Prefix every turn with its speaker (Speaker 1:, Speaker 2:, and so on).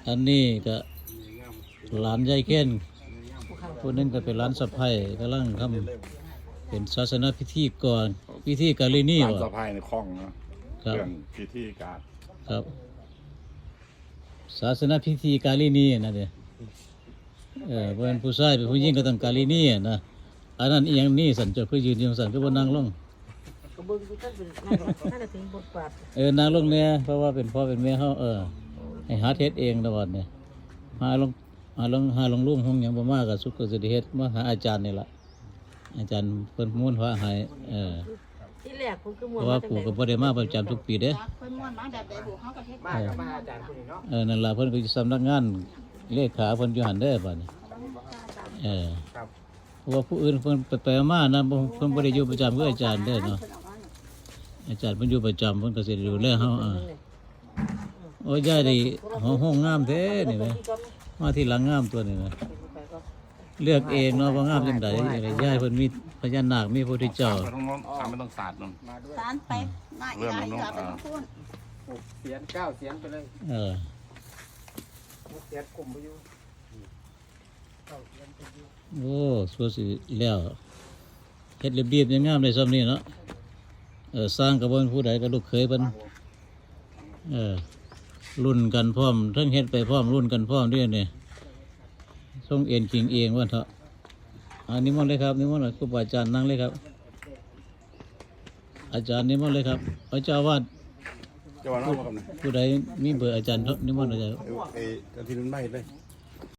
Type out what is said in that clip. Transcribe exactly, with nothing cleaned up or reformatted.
Speaker 1: อันนี้ก็หลานยายเก้นผู้นึงก็เป็นหลานสะใภ้กำลังทำเป็นศาสนพิธีก่อนพิธีกาลินี
Speaker 2: ร้าน
Speaker 1: บ่
Speaker 2: สะพายในคลองเนาะ
Speaker 1: ครับ
Speaker 2: เรื่องพิธีการ
Speaker 1: ครับศาสนพิธีกาลินีนะเด้อเออเป็นผู้ชายเป็นผู้หญิงก็ต้องกาลินีนะอันนั้นอีหยังนี่สันเจ้าคือยืนอยู่สันคือบ่นั่งลง
Speaker 3: ก็เบิ่งดูท่านเป็นนั่นน่าจะถึงบทบาท
Speaker 1: เออนั่งลงเนี่ยเพราะว่าเป็นพ่อเป็นแม่เฮาเออให้หาเฮ็ดเองตลอดเนี่ยหาลงหาลงหาลงลุ่มห้องหยังบ่มาก็สุขก็สิได้เฮ็ดมาหาอาจารย์นี่ล่ะอาจารย์เพิ่นม้วนพระให้เออ
Speaker 3: ที่แรกผมก็ม
Speaker 1: เพ
Speaker 3: วน
Speaker 1: ราะว่า
Speaker 3: มาจาก
Speaker 1: ปู่
Speaker 3: ไหน
Speaker 1: ก็บ่ได้มาประจำทุกปีเด้
Speaker 4: เพิ่นม่วนมาแบบใดบุเฮาก็เฮ็ด
Speaker 5: มากับมาอาจารย์คนนี้เนาะ
Speaker 1: เออนั่นล่ะเพิ่นก็อยู่สำนักงานเลขาเพิ่นอยู่หั่นเด้อบัดนี้เออ
Speaker 5: ครับ
Speaker 1: เพราะว่าผู้อื่นเพิ่นไปๆมาๆนะบ่เพิ่นบ่ได้อยู่ประจำคืออาจารย์เด้อเนาะอาจารย์เพิ่นอยู่ประจำเพิ่นก็สิดูแลเฮาอ่าโอ้ยยายนี่ห้องห้องงามแท้นี่แหมมาที่หลังงามตัวนี่นะเลือกเองเนาะว่างามจังได๋ยายเพิ่นมีพญานาคมีพระพุทธเจ้า
Speaker 2: ไปตรงโน้นทำไม่ต้องศาสตร์นั่น
Speaker 5: มาด้วย
Speaker 4: สารไปมาอีหลายอย่าไปพูด
Speaker 5: หกเสียนเก้าเสียนไปเลย
Speaker 1: เออ
Speaker 5: หกเสียนกลุ่มไปอยู่เก้าเสียนไปอยู่
Speaker 1: โอ้สวยสิแล้วเฮ็ดเรียบๆยังงามได้ซ้ำนี่เนาะเออสร้างกระบวนผู้ใดก็ลูกเคยเพิ่นเออรุ่นกันพร้อมทั้งเฮ็ดไปพร้อมรุ่นกันพร้อมด้วยนี่ส่งเอ็นจริงเองว่าเถอะอันนี้มนต์เลยครับนิมนต์เลยครูบาอาจารย์นั่งเลยครับ อาจารย์นิมนต์เลยครับพระเจ้าอาวาด
Speaker 2: จะว่าน้องมากับไหน
Speaker 1: ผู้ใดมีเบอร์อาจารย์นิมนต์อาจารย์
Speaker 2: เอ้ยเอ้ยที่นุ่นไม่เลย